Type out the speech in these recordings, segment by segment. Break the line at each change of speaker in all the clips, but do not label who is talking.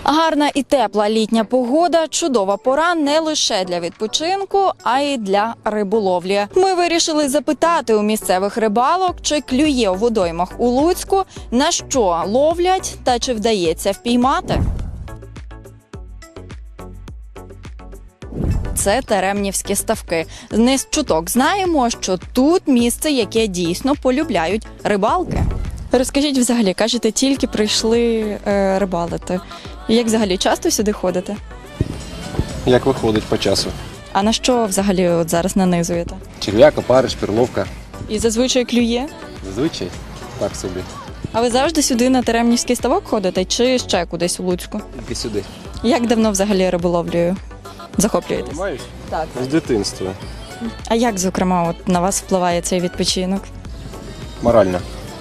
Гарна і тепла літня погода – чудова пора не лише для відпочинку, а й для риболовлі. Ми вирішили запитати у місцевих рибалок, чи клює у водоймах у Луцьку, на що ловлять та чи вдається впіймати. Це Теремнівські ставки. Не з чуток знаємо, що тут місце, яке дійсно полюбляють рибалки. Розкажіть взагалі, кажете, тільки прийшли рибалити. Як взагалі часто сюди ходите?
Як виходить по часу?
А на що взагалі от зараз нанизуєте?
Черв'як, опариш, перловка.
І зазвичай клює?
Зазвичай так собі.
А ви завжди сюди на Теремнівський ставок ходите чи ще кудись у Луцьку?
Тільки сюди.
Як давно взагалі риболовлею захоплюєтесь?
Маєш?
Так.
З дитинства.
А як, зокрема, от на вас впливає цей відпочинок?
Морально.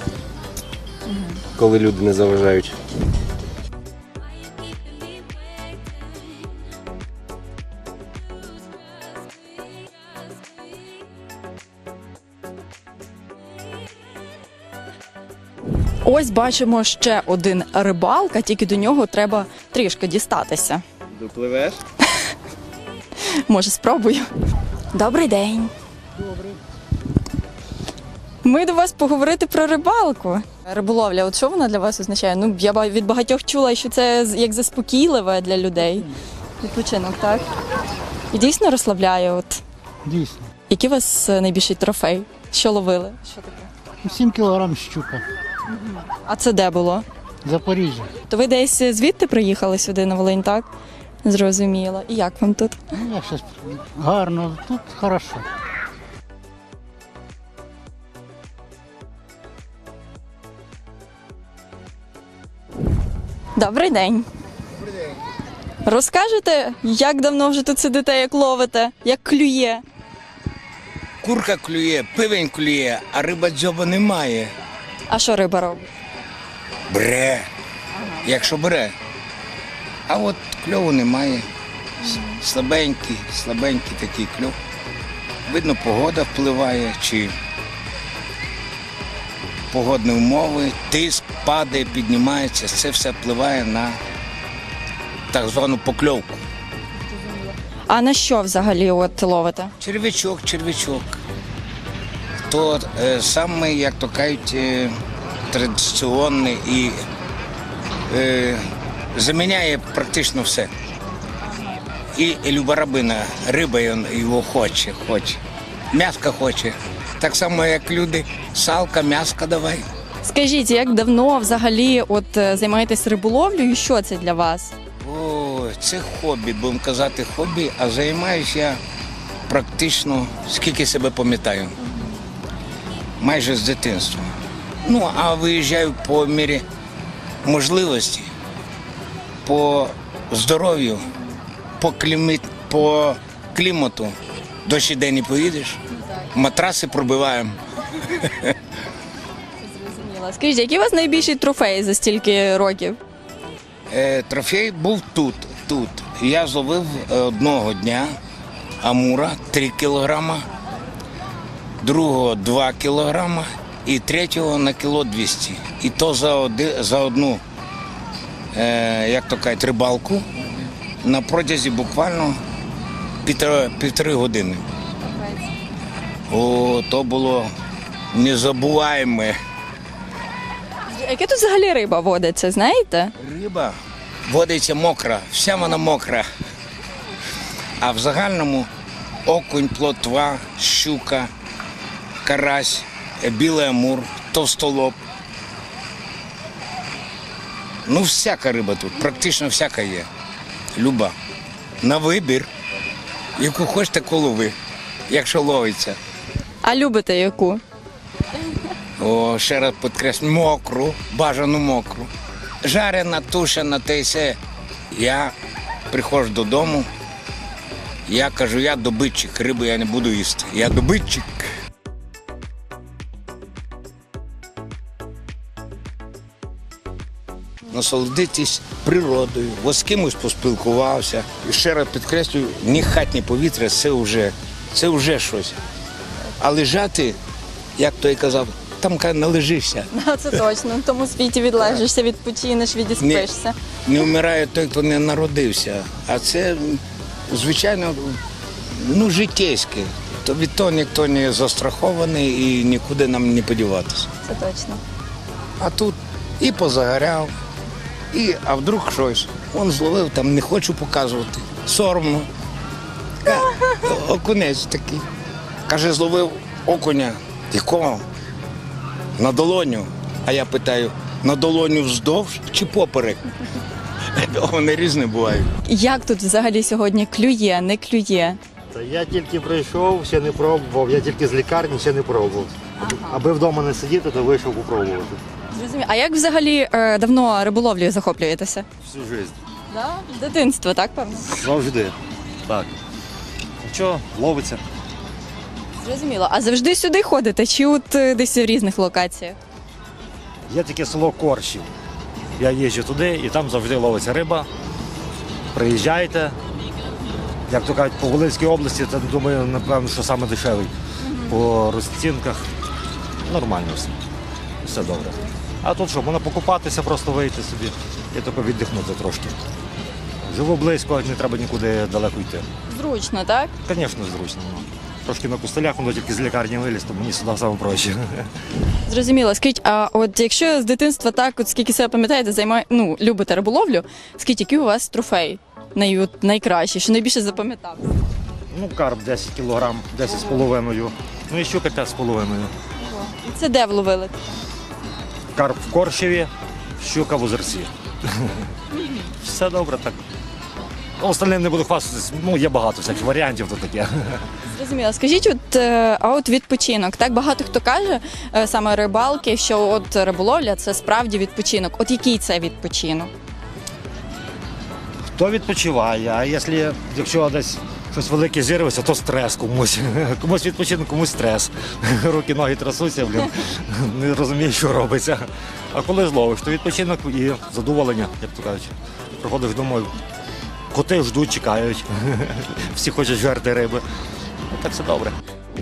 Коли люди не заважають.
Ось бачимо ще один рибалка, тільки до нього треба трішки дістатися.
Допливеш?
Може, спробую. Добрий день.
Добре.
Ми до вас поговорити про рибалку. Риболовля, от що вона для вас означає? Ну, я від багатьох чула, що це як заспокійливе для людей. Відпочинок, так? І дійсно розслабляє. От.
Дійсно.
Який у вас найбільший трофей? Що ловили? Що таке?
7 кілограм щука.
А це де було?
Запоріжжя.
То ви десь звідти приїхали сюди на Волинь, так? Зрозуміло. І як вам тут?
Ну, як щось гарно, тут хорошо.
Добрий день. Добрий день. Розкажете, як давно вже тут сидите, як ловите, як клює?
Курка клює, пивень клює, а риба дзьоба немає.
А що риба робить?
Бре. Якщо бере. А от кльову немає. Слабенький такий кльов. Видно, погода впливає, чи погодні умови, тиск падає, піднімається. Це все впливає на так звану покльовку.
А на що взагалі от ловите?
Червячок. То саме, як то кажуть, традиційний і заміняє практично все. І люба риба його хоче. М'яска хоче. Так само, як люди, салка, м'яска давай.
Скажіть, як давно взагалі от займаєтесь риболовлею і що це для вас?
О, це хобі, будемо казати хобі, а займаюся я практично, скільки себе пам'ятаю. Майже з дитинства. Ну, а виїжджаю по мірі можливості, по здоров'ю, по клімату. Дощ іде не поїдеш, матраси пробиваємо.
Зрозуміла. Скажіть, який у вас найбільший трофей за стільки років?
Трофей був тут. Я зловив одного дня амура 3 кілограма, другого 2 кілограма і третього на кіло 200. І то за одну, як то кажуть, рибалку на протязі буквально півтори години. О, то було незабуваємо.
Яка тут взагалі риба водиться, знаєте?
Риба водиться мокра, вся вона мокра. А в загальному окунь, плотва, щука, карась, білий амур, товстолоб. Ну, всяка риба тут, практично всяка є. Люба. На вибір. Яку хочеш, таку лови, якщо ловиться.
А любите яку?
О, ще раз підкреслю, мокру, бажану мокру. Жарена, тушена, те й все. Я приходжу додому, я кажу, я добитчик, рибу я не буду їсти. Я добитчик. Насолодитись природою, ось з кимось поспілкувався. І ще раз підкреслюю, ні хатнє повітря, це вже щось. А лежати, як той казав, там каже, належишся.
Це точно. В тому світі відлежишся, відпочинеш, відіспишся.
Не вмирає той, хто не народився. А це, звичайно, ну, життєйське. То від того ніхто не застрахований і нікуди нам не подіватися.
Це точно.
А тут і позагоряв, а вдруг щось. Он зловив, там не хочу показувати. Соромно. Окунець такий. Каже, зловив окуня. Якого? На долоню. А я питаю, на долоню вздовж чи поперек? Вони різні бувають.
Як тут взагалі сьогодні клює, не клює?
Та я тільки прийшов, ще не пробував, я тільки з лікарні ще не пробував. Аби вдома не сидіти, то вийшов попробувати.
Зрозуміло. А як взагалі давно риболовлею захоплюєтеся?
Всю життя.
Да? З дитинства, так, певно?
Завжди. Так. Нічого, ловиться.
Зрозуміло. А завжди сюди ходите, чи от десь в різних локаціях?
Є таке село Коршів. Я їжджу туди і там завжди ловиться риба. Приїжджайте. Як то кажуть, по Волинській області, то думаю, напевно, що саме дешевий. По розцінках нормально все. Все добре. А тут що, можна покупатися, просто вийти собі і тільки віддихнути трошки. Живу близько, не треба нікуди далеко йти.
Зручно, так?
Звісно, зручно. Трошки на кустелях, воно тільки з лікарні виліз, то мені сюди саме проще.
Зрозуміло. Скажіть, а от якщо з дитинства так, от скільки себе пам'ятаєте, любите риболовлю, скажіть, який у вас трофей найкращий, що найбільше запам'ятався?
Ну, карп 10 кілограм, 10,5. Ну і щука 5,5.
Це де вловили?
Карп в Коршеві, щука в Озерці. Все добре так. Ну, остальним не буду хвастатись, ну є багато всяких варіантів, то таке.
Зрозуміло. Скажіть, от відпочинок. Так багато хто каже, саме рибалки, що от риболовля це справді відпочинок. От який це відпочинок?
Хто відпочиває, а якщо десь щось велике зірветься, то стрес комусь. Комусь відпочинок, комусь стрес. Руки, ноги трясуться, не розумієш, що робиться. А коли зловиш, то відпочинок і задоволення, як то кажуть. Приходиш домой, коти ждуть, чекають. Всі хочуть жерти риби. Так все добре.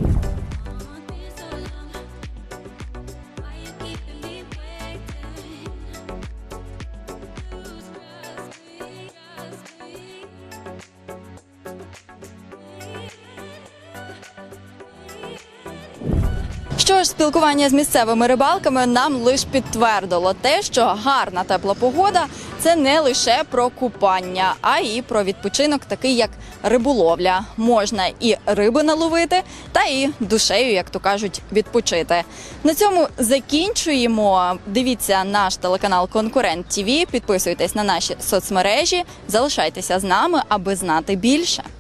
Що ж, спілкування з місцевими рибалками нам лише підтвердило те, що гарна тепла погода – це не лише про купання, а і про відпочинок, такий як риболовля. Можна і риби наловити, та і душею, як то кажуть, відпочити. На цьому закінчуємо. Дивіться наш телеканал «Конкурент ТВ», підписуйтесь на наші соцмережі, залишайтеся з нами, аби знати більше.